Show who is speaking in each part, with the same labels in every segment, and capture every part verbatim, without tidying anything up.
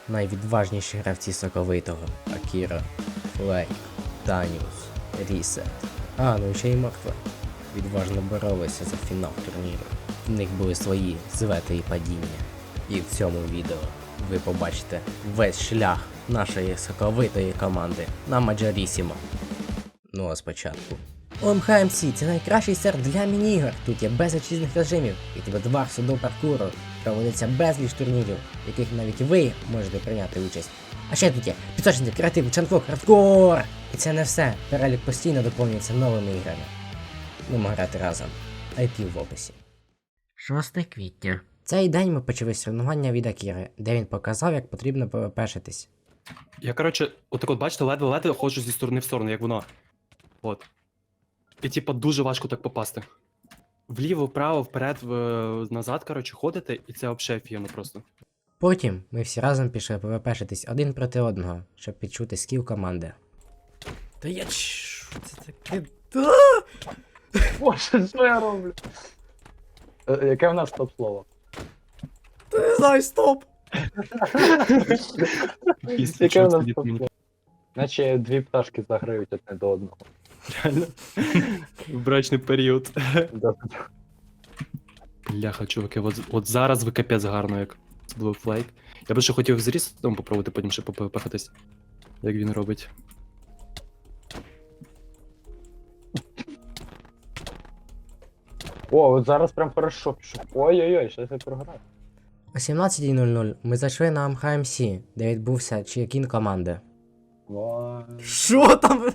Speaker 1: найвідважніші гравці соковитого: Акіра, Флейк, Таніус, Рісет. А, ну і ще й Морква. Відважно боролися за фінал турніру. В них були свої звети і падіння. І в цьому відео ви побачите весь шлях нашої соковитої команди на Маджорісімо. Ну а спочатку. о ем ха ем сі – це найкращий сервер для міні-ігор. Тут є безліч різних режимів, від ведварсу до паркуру. Проводиться безліч турнірів, в яких навіть ви можете прийняти участь. А ще тут є пісочниці, креатив, чанфок, хардкор! І це не все. Перелік постійно доповнюється новими іграми. Будемо грати разом. ай пі в описі. шостого квітня. Цей день ми почали соревнування від Акіри, де він показав, як потрібно пвпшитись.
Speaker 2: Я, коротше, отак от, бачите, ледве-ледве ходжу зі сторони в сторону, як воно. От. І типа дуже важко так попасти. Вліво, вправо, вперед, в... назад, коротше, ходити, і це взагалі офігенно просто.
Speaker 1: Потім ми всі разом пішли пвпшитись один проти одного, щоб відчути скіл команди. Та я що це таке?
Speaker 3: Боже, що я роблю? Е, Яке в нас топ-слово?
Speaker 1: Та не знаю, стоп!
Speaker 3: Яке в нас топ-слово? Наче дві пташки заграють одне до одного.
Speaker 2: Реально. В брачний період.
Speaker 3: Да.
Speaker 2: Бляха, чуваки, от, от зараз ви капець гарно, як Blue Flag. Я би ще хотів з Рісом попробувати, потім ще попахатись, як він робить.
Speaker 3: О, от зараз прям хорошо пішов. Ой-ой-ой, щось я програв.
Speaker 1: О сімнадцятій нуль нуль ми зайшли на о ем ха ем сі, де відбувся чекін команди.
Speaker 3: Вау.
Speaker 1: Що там?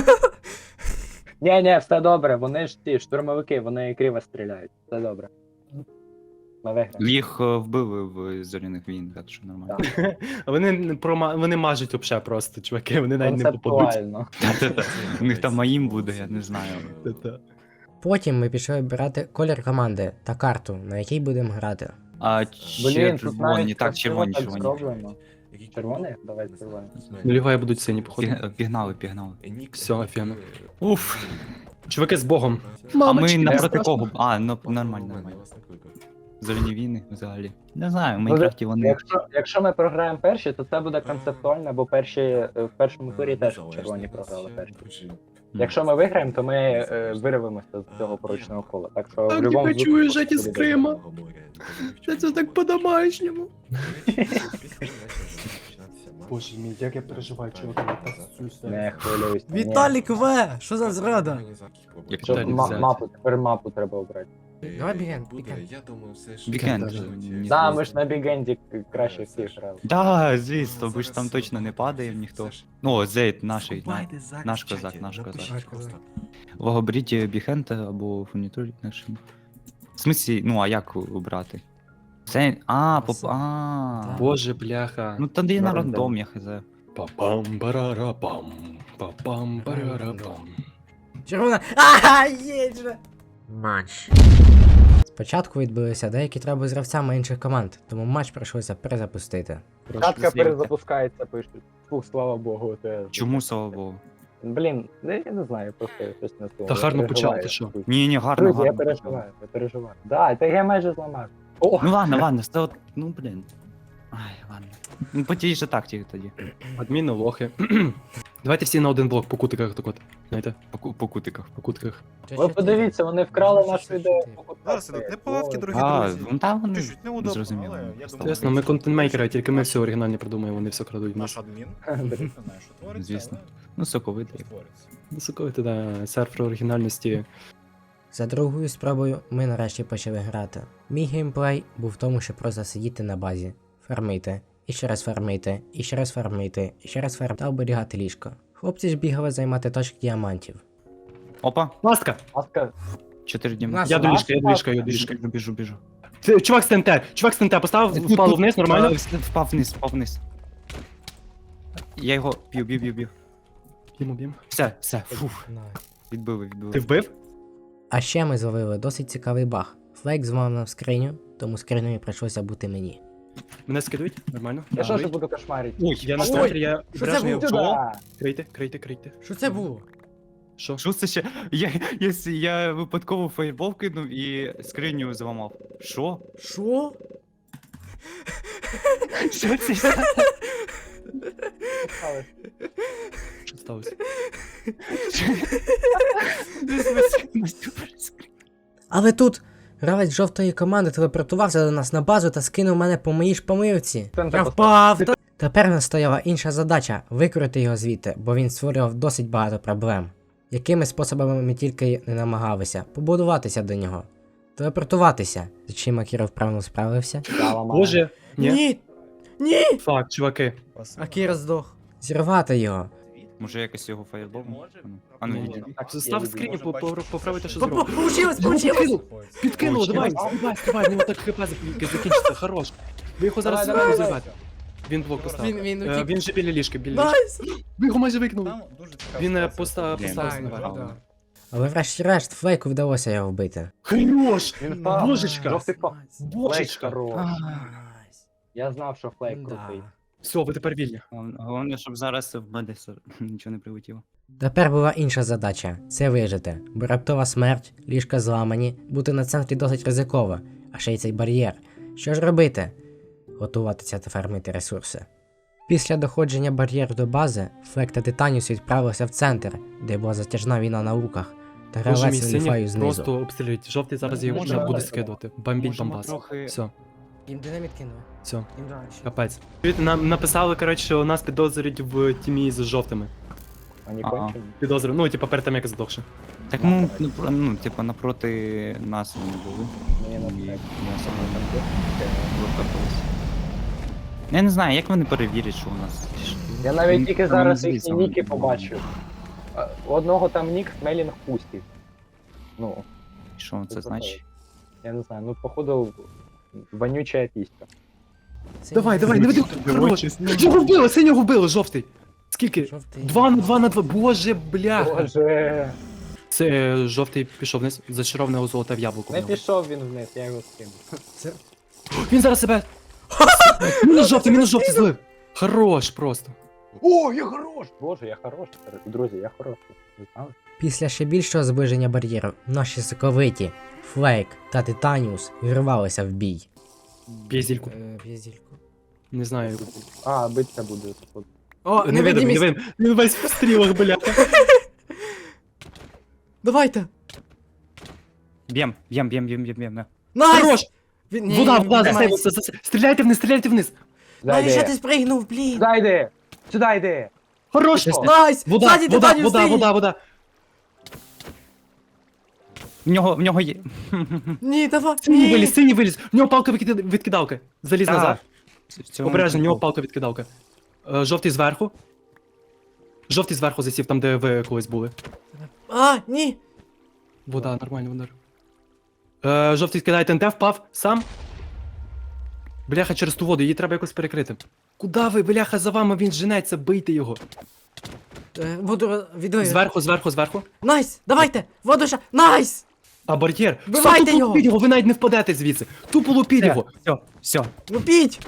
Speaker 3: Ні, ні, все добре, вони ж ті штурмовики, вони криво стріляють. Все добре. Ми виграємо.
Speaker 4: Їх е, вбили в зоряних війн, так що нормально.
Speaker 2: А вони, не прома... вони мажуть взагалі просто, чуваки, вони навіть не попадуть.
Speaker 3: Концептуально.
Speaker 4: Та-та-та. У них там маїм буде, я не знаю.
Speaker 2: Та-та.
Speaker 1: Потім ми пішли обирати колір команди та карту, на якій будемо грати.
Speaker 4: А
Speaker 3: Блін, тут
Speaker 4: червоні,
Speaker 3: навіть
Speaker 4: так,
Speaker 3: красиво
Speaker 4: червоні,
Speaker 3: так
Speaker 4: червоні.
Speaker 3: зроблено. Червоний? Давай червоний.
Speaker 2: Ну, ліває будуть сині, походу.
Speaker 4: Піг- Пігнали, пігнали.
Speaker 2: Все, офігенно. Уф. Чуваки з Богом.
Speaker 4: А ми
Speaker 2: Мамочки,
Speaker 4: напроти
Speaker 2: страшно.
Speaker 4: кого? А, ну нормально, нормально. Зоряні війни взагалі. Не знаю, в
Speaker 3: Ну,
Speaker 4: Майнкрафті вони.
Speaker 3: Якщо, якщо ми програємо перші, то це буде концептуально, бо перші е, в першому турі теж червоні програли перші. Якщо ми виграємо, то ми е, вирвемося з цього порочного кола. Так що в
Speaker 2: Так,
Speaker 3: будь-якому
Speaker 2: не хочу
Speaker 3: випадку
Speaker 2: уїжджати
Speaker 3: буде
Speaker 2: з Крима. Це це так по-домашньому. Боже мій, як я переживаю, чуваки, я
Speaker 3: не хвилююсь. ні.
Speaker 1: Віталік В! Що за зрада?
Speaker 4: Як
Speaker 3: Щоб
Speaker 2: Віталік
Speaker 3: ма-
Speaker 2: взяти.
Speaker 3: мапу, тепер мапу треба обрати.
Speaker 1: Давай біген, біген.
Speaker 5: Я думаю, все ж...
Speaker 4: Вікенд.
Speaker 5: Ні,
Speaker 3: Да,
Speaker 5: ні,
Speaker 3: ми ж на бігенді краще всіх грали.
Speaker 4: Да, звісно, ви ж там точно не падаємо ніхто. Ну, Зейд, наш, на- наш козак, наш козак.
Speaker 1: Наш козак.
Speaker 4: Оберіть Біхента або фурнітурі нашим. В смислі, ну а як обрати? Це. А, поп. А.
Speaker 2: Боже, бляха.
Speaker 4: Ну тоді на
Speaker 3: На рандом.
Speaker 4: рандом, я хз.
Speaker 2: Па-пам, барара-пам. Па-пам, барара-пам.
Speaker 1: Червона. Ага, є же! Матч. Спочатку відбулися деякі траби з гравцями інших команд, тому матч прийшлося перезапустити.
Speaker 3: Катка перезапускається, пишуть. Фух, слава Богу, те.
Speaker 4: Чому, слава Богу?
Speaker 3: Блін, ну, я не знаю, просто щось не слово.
Speaker 2: Та гарно почав, ти що?
Speaker 4: Ні, ні, гарно,
Speaker 3: Друзі, я
Speaker 4: гарно.
Speaker 3: переживаю, я переживаю. Да, та я майже зламав. О,
Speaker 4: Ну ладно, ладно, це от, ну блін. Ай, ладно. Ну по тій же тактиці тоді.
Speaker 2: Адміни, лохи. Давайте всі на один блок по кутиках так от. Знаєте,
Speaker 4: По, ку- по кутиках.
Speaker 2: по кутиках.
Speaker 3: ви подивіться, вони вкрали нашу ідею.
Speaker 6: Зараз ідуть неполадки, дорогі
Speaker 4: А,
Speaker 6: друзі.
Speaker 4: ну там вони
Speaker 6: Чуть-чуть неудобно,
Speaker 4: зрозуміло.
Speaker 6: але я думаю,
Speaker 2: Чесно, ми контент-мейкери, тільки ми все оригінальне придумаємо, вони все крадуть. в
Speaker 6: Наш
Speaker 2: нас.
Speaker 6: адмін. Не знаю, що твориться,
Speaker 4: Звісно.
Speaker 6: але
Speaker 4: Ну, соковитий.
Speaker 6: твориться.
Speaker 2: Високовити, да, серфер оригінальності.
Speaker 1: За другою спробою ми нарешті почали грати. Мій геймплей був в тому, щоб просто сидіти на базі, фармити, і ще раз фармити, і ще раз фармити, і ще раз фармити та оберігати ліжко. Хлопці ж бігали займати точки діамантів.
Speaker 4: Опа,
Speaker 2: Ласка!
Speaker 3: Ласка,
Speaker 4: чотири
Speaker 1: Нас-
Speaker 4: діаманти.
Speaker 2: Я до ліжка, я до ліжка, я до
Speaker 4: Біжу,
Speaker 2: ліжка.
Speaker 4: біжу, біжу, біжу.
Speaker 2: Ти- Чувак з ТНТ, чувак з ТНТ, поставив, впало вниз, нормально?
Speaker 4: Е, Впав вниз, впав вниз. Я його б'ю, б'ю, б'ю, б'ю.
Speaker 2: Б'ємо, б'ємо.
Speaker 4: Все, все, фух, відбили, відбили.
Speaker 2: Ти вбив?
Speaker 1: А ще ми зловили досить цікавий баг. Флейк зламав нам скриню, тому скринею прийшлося бути мені.
Speaker 2: Мене скидують? Нормально?
Speaker 3: я що ж
Speaker 2: Ой.
Speaker 3: буду кошмарити?
Speaker 4: Ой,
Speaker 2: Я на
Speaker 3: Ой,
Speaker 2: стартері, я
Speaker 1: що це
Speaker 2: обережний.
Speaker 1: було?
Speaker 3: Сюда!
Speaker 2: Крийте, крийте, крийте.
Speaker 1: Що це було?
Speaker 2: Що?
Speaker 4: Що це ще? Я, я, с- я випадково фаєрбол кинув і скриню зламав. Що?
Speaker 1: Що?
Speaker 4: Що це?
Speaker 3: сталося?
Speaker 2: Що сталося?
Speaker 1: Але тут гравець жовтої команди телепортувався до нас на базу та скинув мене по моїй ж помилці.
Speaker 3: Там
Speaker 1: Я
Speaker 3: так
Speaker 1: впав! та- Тепер в нас стояла інша задача викрити його звідти, бо він створював досить багато проблем. Якими способами ми тільки не намагалися побудуватися до нього. Телепортуватися. З чим Акіро вправно справився?
Speaker 3: Я ламаю.
Speaker 2: Боже, ні.
Speaker 1: Ні! Ні!
Speaker 2: Фак, чуваки.
Speaker 1: Акіро здох. Зірвати його.
Speaker 4: Може якось його фаєрболом? А ну
Speaker 2: Ні,
Speaker 4: іди.
Speaker 2: Так,
Speaker 3: Я
Speaker 2: став
Speaker 3: люблю.
Speaker 2: скрінь,
Speaker 6: Може,
Speaker 2: по-
Speaker 6: бачиш,
Speaker 2: по- поправити, що
Speaker 1: По-
Speaker 2: зробив.
Speaker 1: Получилось,
Speaker 2: Його
Speaker 1: получилось!
Speaker 2: підкинув, підкинув, давай,
Speaker 3: Получилось.
Speaker 2: давай, давай, в нього так хп зак- закінчиться, хорош. Ви його зараз
Speaker 3: Давай, давай,
Speaker 2: зірвете. Він блок поставив.
Speaker 1: Він, він
Speaker 2: Е,
Speaker 1: утік.
Speaker 2: Він же біля ліжки, біля ліжки.
Speaker 1: Найс!
Speaker 2: Ви його майже викинули.
Speaker 6: Там дуже цікаво.
Speaker 2: Він е, поста-
Speaker 4: Блін,
Speaker 2: поставив
Speaker 1: Так,
Speaker 2: наверх.
Speaker 4: да.
Speaker 1: Але врешті-решт Флейку вдалося його вбити.
Speaker 2: Хорош!
Speaker 3: Він впав.
Speaker 2: Божечка!
Speaker 3: Жовтий впав. Флейк
Speaker 2: Божечка!
Speaker 3: хорош.
Speaker 1: Найс.
Speaker 3: Я знав, що флейк
Speaker 1: Да.
Speaker 3: крутий.
Speaker 2: Все, ви тепер вільні.
Speaker 4: Головне, щоб зараз в мене все- нічого не прилетіло.
Speaker 1: Тепер була інша задача це вижити, бо раптова смерть, ліжка зламані, бути на центрі досить ризиково, а ще й цей бар'єр. Що ж робити? Готуватися та фармити ресурси. Після доходження бар'єру до бази, Флек та Титаніус відправилися в центр, де була затяжна війна на луках, та
Speaker 2: Боже мій,
Speaker 1: гравець ліфаю
Speaker 2: синій
Speaker 1: знизу.
Speaker 2: просто обстрілюють. Жовтий зараз його
Speaker 3: Можна
Speaker 2: вже буде
Speaker 3: далі.
Speaker 2: скидувати. Бомбіть
Speaker 4: Можемо
Speaker 2: бомбас.
Speaker 4: трохи-
Speaker 2: Все,
Speaker 1: Їм динаміт кинули.
Speaker 2: все,
Speaker 1: Їм далі.
Speaker 2: капець. Чуєте, Нам написали, коротше, що нас підозрюють в тімі з жовтими.
Speaker 3: Вони
Speaker 4: Ага.
Speaker 3: кончені.
Speaker 2: Підозрюють, ну, типа перед тим, як здохши.
Speaker 4: Так ну, ну, про- ну, типа напроти нас вони були.
Speaker 3: Мені на
Speaker 4: І
Speaker 3: флейк.
Speaker 4: ми особливо викопались. Я не знаю, як вони перевірять, що у нас.
Speaker 3: Я навіть
Speaker 4: Він-
Speaker 3: тільки
Speaker 4: він
Speaker 3: зараз
Speaker 4: звідси
Speaker 3: їхні
Speaker 4: вони
Speaker 3: ніки
Speaker 4: були.
Speaker 3: побачив. А, У одного там нік Смелінг Пустів. Ну,
Speaker 4: Що це значить?
Speaker 3: я не знаю, ну походу вонюча піська.
Speaker 2: Давай, давай, не веди. Хорош. Його вбили, синього вбили, жовтий. Скільки?
Speaker 1: Жовтий.
Speaker 2: Два на два на два. Боже, бляха.
Speaker 3: Боже,
Speaker 2: Це е, жовтий пішов вниз, зачарованого золоте в яблуко. в
Speaker 3: не
Speaker 2: нього.
Speaker 3: пішов він вниз, я його скинув.
Speaker 2: Він зараз себе. Мінус жовтий, мінус жовтий злив. Хорош просто.
Speaker 3: О, я хорош! Боже, я хорош. Друзі, я хороший. Ви знали?
Speaker 1: Після ще більшого зближення бар'єру, наші соковиті, Флейк та Титаніус вірвалися в бій.
Speaker 2: Бєзільку.
Speaker 1: Е, В'язільку.
Speaker 2: Не знаю.
Speaker 3: А, биться буде. тут.
Speaker 1: О,
Speaker 2: Не видим, не видим. Він весь в стрілах, бляха.
Speaker 1: Давайте!
Speaker 4: Б'єм, б'єм, б'єм, б'єм, б'єм, б'єм. на.
Speaker 1: Найс!
Speaker 2: Хорош!
Speaker 1: Він- ні,
Speaker 2: Вода,
Speaker 1: ні,
Speaker 2: вода,
Speaker 1: ні,
Speaker 2: засейвився,
Speaker 1: найс.
Speaker 2: засейвився. Стріляйте вниз, стріляйте вниз.
Speaker 1: Найс, що ти
Speaker 3: Зайди!
Speaker 1: спригнув, блін!
Speaker 3: Зайди! Сюди йди!
Speaker 2: Хорош!
Speaker 3: Що?
Speaker 1: Найс!
Speaker 2: Вода,
Speaker 1: Ззаді
Speaker 2: вода,
Speaker 1: Титаніус
Speaker 2: вода,
Speaker 1: синій!
Speaker 2: вода, вода.
Speaker 4: В нього, в нього є.
Speaker 1: Ні, давай!
Speaker 2: Синій
Speaker 1: ні.
Speaker 2: виліз, синій виліз. В нього палка відкида- відкидалка. Заліз
Speaker 4: Так.
Speaker 2: назад.
Speaker 4: В цьому
Speaker 2: Обережно, в нього
Speaker 4: прикол.
Speaker 2: палка відкидалка. Е, Жовтий зверху. Жовтий зверху засів, там, де ви колись були.
Speaker 1: А, ні!
Speaker 2: Вода, нормально, вода. Е, жовтий кидає ТНТ, впав сам. Бляха, через ту воду, її треба якось перекрити. Куда ви, бляха, за вами він женеться, бийте його.
Speaker 1: Е, Воду відвою.
Speaker 2: Зверху, зверху, зверху.
Speaker 1: Найс! Давайте! Воду ще! Найс!
Speaker 2: А бар'єр.
Speaker 1: Вбивайте
Speaker 2: Все, тупо
Speaker 1: його!
Speaker 2: лупіть його, ви навіть не впадете звідси. Тупо лупіть
Speaker 4: Все,
Speaker 2: його.
Speaker 4: все, все.
Speaker 1: Лупіть!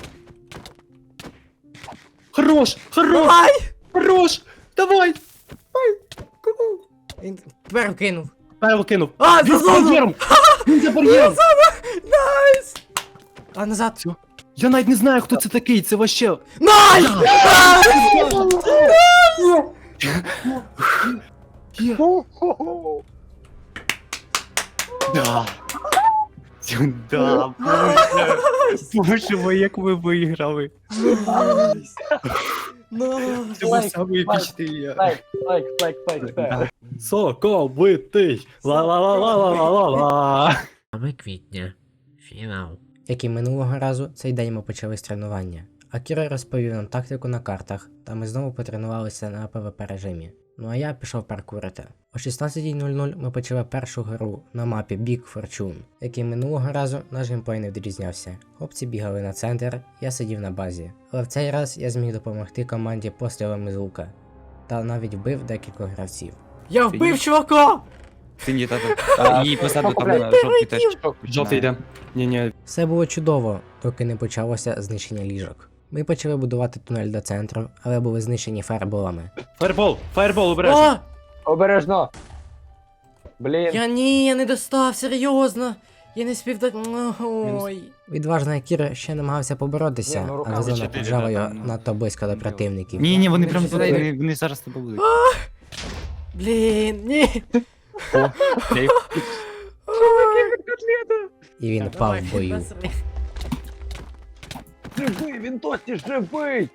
Speaker 2: Хорош, хорош,
Speaker 1: Давай!
Speaker 2: хорош. Давай.
Speaker 1: Він тепер кинув.
Speaker 2: Павел кинув.
Speaker 1: А,
Speaker 2: Він
Speaker 1: за
Speaker 2: за
Speaker 1: зону!
Speaker 2: бар'єром. Він за бар'єром.
Speaker 1: Найс! А назад.
Speaker 2: Я навіть не знаю, хто це такий, це вообще.
Speaker 1: Найс!
Speaker 2: Є.
Speaker 4: Да. Да, боже. Боже мой, як ви виграли.
Speaker 1: Найс!
Speaker 4: Це був
Speaker 3: Лайк,
Speaker 4: самий
Speaker 3: лайк,
Speaker 4: епічний.
Speaker 3: Лайк, лайк, лайк, лайк, лайк.
Speaker 2: Соковитий. Ла-ла-ла-ла-ла-ла-ла.
Speaker 1: Саме квітня. Фінал. Як і минулого разу, цей день ми почали з тренування. Акіро розповів нам тактику на картах, та ми знову потренувалися на ПВП режимі. Ну а я пішов паркурити. О шістнадцятій нуль нуль ми почали першу гру на мапі Big Fortune, як і минулого разу наш геймплей не відрізнявся. Хлопці бігали на центр, я сидів на базі. Але в цей раз я зміг допомогти команді пострілами з лука. Та навіть вбив декількох гравців. Я
Speaker 4: вбив
Speaker 1: чувака!
Speaker 4: Сині тата. І позаду там
Speaker 3: блядь,
Speaker 4: на жовтий теж.
Speaker 2: Жовтий йде. Ні-ні.
Speaker 1: Все було чудово, доки не почалося знищення ліжок. Ми почали будувати тунель до центру, але були знищені фаерболами.
Speaker 2: Фаербол, фаербол, обережно.
Speaker 3: Обережно! Блін,
Speaker 1: Я ні, я не достав, серйозно. Я не спів так. Ой. Відважний Акіра ще намагався поборотися,
Speaker 3: Ні, ну, руками
Speaker 1: але зона
Speaker 2: чотири,
Speaker 1: піджала
Speaker 2: да,
Speaker 1: його
Speaker 2: там, ну.
Speaker 1: надто близько до противників.
Speaker 4: Ні, ні, вони
Speaker 1: Він
Speaker 4: прям
Speaker 1: щось
Speaker 4: вони,
Speaker 1: знайде.
Speaker 4: вони зараз тебе будуть.
Speaker 1: Блін, ні.
Speaker 4: Я їх-
Speaker 1: І він впав в бою.
Speaker 3: Живий, він досі живий!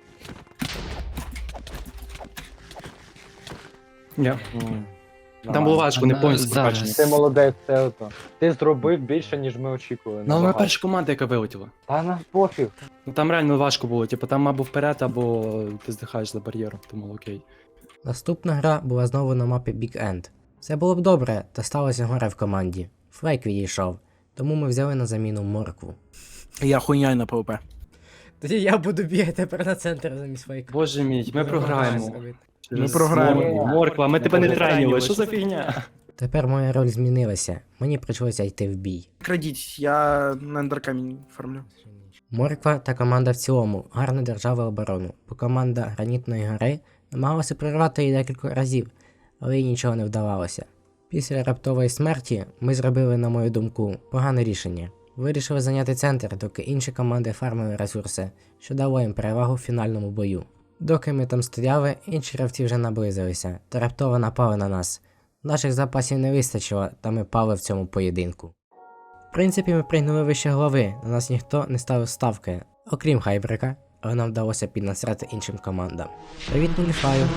Speaker 2: Ні. Там було важко, не
Speaker 4: А,
Speaker 2: повністю
Speaker 4: зараз.
Speaker 2: прокачані.
Speaker 3: Ти молодець, це ото. Ти зробив більше, ніж ми очікували.
Speaker 2: Ну, але ми
Speaker 3: набагато.
Speaker 2: перша команда, яка вилетіла.
Speaker 3: Та на пофіг.
Speaker 2: Ну там реально важко було, типу там або вперед, або ти здихаєш за бар'єром, тому окей.
Speaker 1: Наступна гра була знову на мапі Big End. Все було б добре, та сталося горе в команді. Флейк відійшов, тому ми взяли на заміну моркву.
Speaker 6: Я хуйняй на ПВП.
Speaker 1: Тоді я буду бігати тепер на центр замість флейка.
Speaker 2: Боже мій, ми програємо.
Speaker 6: Ми програємо.
Speaker 2: Моркву. Морква, ми тебе не
Speaker 3: Ми
Speaker 2: тренили, що за фігня?
Speaker 1: Тепер моя роль змінилася, мені прийшлося йти в бій.
Speaker 6: Крадіть, я на ендеркамінь фармлю.
Speaker 1: Морква та команда в цілому гарно держали оборону, бо команда Гранітної гори намагалася прорвати її декілька разів, але їй нічого не вдавалося. Після раптової смерті ми зробили, на мою думку, погане рішення. Вирішили зайняти центр, доки інші команди фармили ресурси, що дало їм перевагу в фінальному бою. Доки ми там стояли, інші гравці вже наблизилися та раптово напали на нас. Наших запасів не вистачило, та ми пали в цьому поєдинку. В принципі, ми прийняли вище голови, на нас ніхто не ставив ставки, окрім Хайбрика, але нам вдалося піднасрати іншим командам. Привіт, Нуліфаю!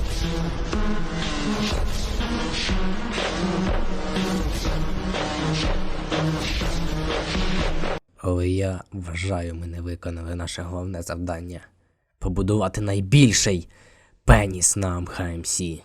Speaker 1: Але я вважаю, ми не виконали наше головне завдання. Побудувати найбільший пеніс на АМХ-МС.